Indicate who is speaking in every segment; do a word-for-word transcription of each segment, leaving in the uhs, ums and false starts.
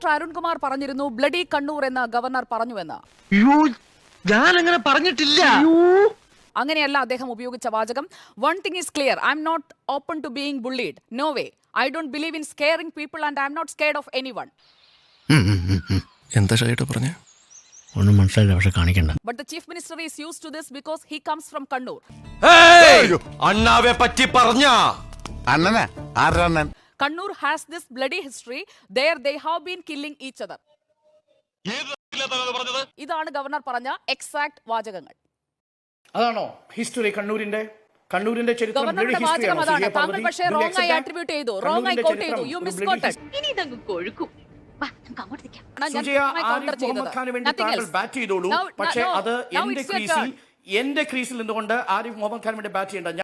Speaker 1: അരുൺകുമാർ പറഞ്ഞിരുന്നു ബ്ലഡി കണ്ണൂർ എന്ന ഗവർണർ പറഞ്ഞുവെന്ന്.
Speaker 2: ഞാൻ അങ്ങനെ പറഞ്ഞിട്ടില്ല.
Speaker 1: അങ്ങനെയല്ല അദ്ദേഹം ഉപയോഗിച്ച വാചകം. One thing is clear, I'm not open to being bullied. No way. I don't believe in scaring people and I'm not scared of anyone.
Speaker 3: എന്താ ഷൈട്ട് പറഞ്ഞേ?
Speaker 4: ഒന്നും മനസ്സിലായില്ല, പക്ഷെ കാണിക്കണ്ട.
Speaker 1: But the chief minister is used to this because he comes from Kannur.
Speaker 2: അണ്ണാവെ പറ്റി പറഞ്ഞ
Speaker 5: അണ്ണനാ ആരണ്ണൻ?
Speaker 1: Kannur has this bloody history. There they have been killing each other. ഇതാണ് ഗവർണർ പറഞ്ഞ എക്സാക്ട് വാചകങ്ങൾ.
Speaker 6: അതാണോ ഹിസ്റ്ററി കണ്ണൂരിന്റെ കണ്ണൂരിന്റെ ചരിത്രം?
Speaker 1: ഗവർണറുടെ വാചകം അതാണ്. താങ്കൾ പക്ഷേ റോങ് ആയി അട്രിബ്യൂട്ട് ചെയ്തു, റോങ് ആയി കോട്ട് ചെയ്തു. You misquoted.
Speaker 7: ഇനി ഇതങ്ങ് കൊഴുക്കും.
Speaker 6: ബാറ്റ് ചെയ്തോളൂ, പക്ഷേ അത് എന്റെ ക്രീസിൽ എന്റെ ക്രീസിൽ നിന്നുകൊണ്ട് ആരിഫ് മുഹമ്മദ് ഖാൻ വേണ്ടി ബാറ്റ് ചെയ്യേണ്ട.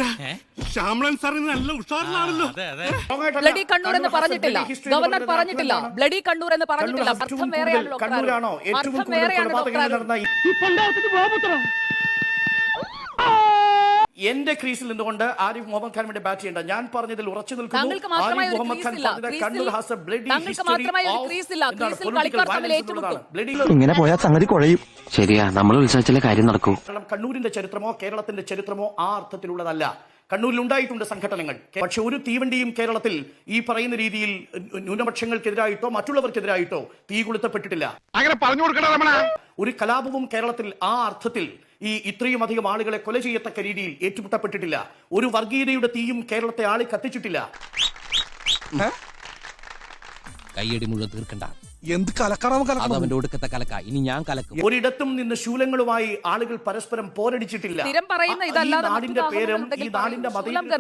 Speaker 1: ബ്ലഡി കണ്ണൂർ എന്ന് പറഞ്ഞിട്ടില്ല, ഗവർണർ പറഞ്ഞിട്ടില്ല. ബ്ലഡി കണ്ണൂർ എന്ന് പറഞ്ഞിട്ടില്ല. അർത്ഥം വേറെയാണല്ലോ.
Speaker 6: കണ്ണൂരാണോ ഏറ്റവും കൂടുതൽ കൊലപാതകങ്ങൾ നടന്ന? എന്റെ ക്രീസിൽ നിന്നുകൊണ്ട് ആരിഫ് മുഹമ്മദ് ഖാൻ വേണ്ടി ബാറ്റ് ചെയ്യേണ്ട. ഞാൻ പറഞ്ഞതിൽ ഉറച്ചു നിൽക്കുന്നു. ആരിഫ് മുഹമ്മദ് ഖാൻ പറഞ്ഞത് Kannur has a bloody history.
Speaker 2: ഇങ്ങനെ പോയാൽ സംഗതി കുഴയും.
Speaker 8: ശരിയാ, നമ്മൾ ഉത്സവിച്ചാലേ കാര്യം നടക്കൂ.
Speaker 6: കണ്ണൂരിന്റെ ചരിത്രമോ കേരളത്തിന്റെ ചരിത്രമോ ആ അർത്ഥത്തിലുള്ളതല്ല. കണ്ണൂരിൽ ഉണ്ടായിട്ടുണ്ട് സംഘടനകൾ, പക്ഷെ ഒരു തീവണ്ടിയും കേരളത്തിൽ ഈ പറയുന്ന രീതിയിൽ ന്യൂനപക്ഷങ്ങൾക്കെതിരായിട്ടോ മറ്റുള്ളവർക്കെതിരായിട്ടോ തീ കൊളുത്തപ്പെട്ടിട്ടില്ല.
Speaker 5: അങ്ങനെ പറഞ്ഞു കൊടുക്കണ.
Speaker 6: ഒരു കലാപവും കേരളത്തിൽ ആ അർത്ഥത്തിൽ ഈ ഇത്രയും അധികം ആളുകളെ കൊല ചെയ്യത്തക്ക രീതിയിൽ ഏറ്റുമുട്ടപ്പെട്ടിട്ടില്ല. ഒരു വർഗീയതയുടെ തീയും കേരളത്തെ ആളി കത്തിച്ചിട്ടില്ല.
Speaker 9: കയ്യടി മുഴുവൻ തീർക്കണ്ട.
Speaker 2: എന്ത് കലക്കണം
Speaker 9: അവന്റെ ഒടുക്കത്തെ കലക്ക. ഇനി ഞാൻ കലക്കും.
Speaker 6: ഒരിടത്തും നിന്ന് ശൂലങ്ങളുമായി ആളുകൾ പരസ്പരം പോരടിച്ചിട്ടില്ല.
Speaker 1: സ്ഥിരം പറയുന്ന ഇതല്ലാതെ
Speaker 6: നാടിന്റെ പേരും ഈ നാടിന്റെ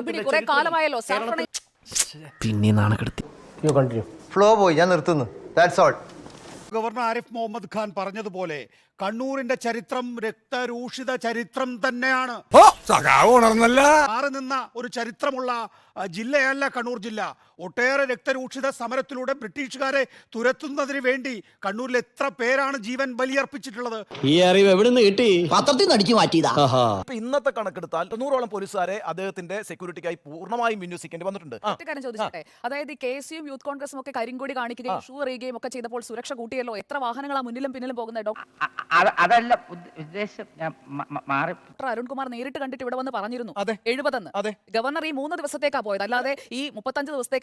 Speaker 4: പിന്നെ നാണക്കെടുത്തി.
Speaker 5: ഫ്ലോ പോയി, ഞാൻ നിർത്തുന്നു. That's all.
Speaker 10: Governor Arif Mohammed Khan പറഞ്ഞതുപോലെ കണ്ണൂരിന്റെ ചരിത്രം രക്തരൂഷിത ചരിത്രം തന്നെയാണ്. മാറി നിന്ന ഒരു ചരിത്രമുള്ള ജില്ലയല്ല കണ്ണൂർ ജില്ല. ഒട്ടേറെ രക്തരൂഷിത സമരത്തിലൂടെ ബ്രിട്ടീഷുകാരെ തുരത്തുന്നതിന് വേണ്ടി കണ്ണൂരിൽ എത്ര പേരാണ് ജീവൻ ബലിയർപ്പിച്ചിട്ടുള്ളത്.
Speaker 4: ഈ അറിവ് എവിടെ നിന്ന് കിട്ടി? പത്രത്തിൽ നടിച്ചു മാറ്റിയതാ.
Speaker 2: ഇന്നത്തെ കണക്കെടുത്താൽ തൊണ്ണൂറോളം പോലീസുകാരെ അദ്ദേഹത്തിന്റെ സെക്യൂരിറ്റിക്കായി പൂർണ്ണമായും വിന്യസിക്കേണ്ടി വന്നിട്ടുണ്ട്.
Speaker 1: കാര്യം ചോദിച്ചോട്ടെ, അതായത് കെ എസ് യുവും യൂത്ത് കോൺഗ്രസും ഒക്കെ കരിങ്കൊടി കാണിക്കുകയും ഷൂ എറിയുകയും ഒക്കെ ചെയ്തപ്പോൾ സുരക്ഷ കൂട്ടിയല്ലോ. എത്ര വാഹനങ്ങളാ മുന്നിലും പിന്നിലും പോകുന്നത്?
Speaker 7: അതല്ല ഉദ്ദേശം. ഞാൻ മാറി.
Speaker 1: അരുൺകുമാർ നേരിട്ട് കണ്ടിട്ട് ഇവിടെ വന്ന് പറഞ്ഞിരുന്നു എഴുപതെന്ന്. ഗവർണർ ഈ മൂന്ന് ദിവസത്തേക്കാ പോയത്, അല്ലാതെ ഈ മുപ്പത്തഞ്ച് ദിവസത്തേക്കല്ല.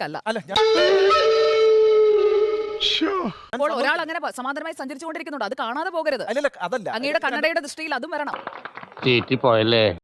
Speaker 1: അപ്പോൾ ഒരാൾ അങ്ങനെ സമാന്തരമായി സഞ്ചരിച്ചുകൊണ്ടിരിക്കുന്നുണ്ട്, അത് കാണാതെ പോകരുത്. അങ്ങയുടെ കണ്ണടയുടെ ദൃഷ്ടിയിൽ അതും വരണം.
Speaker 8: പോയല്ലേ?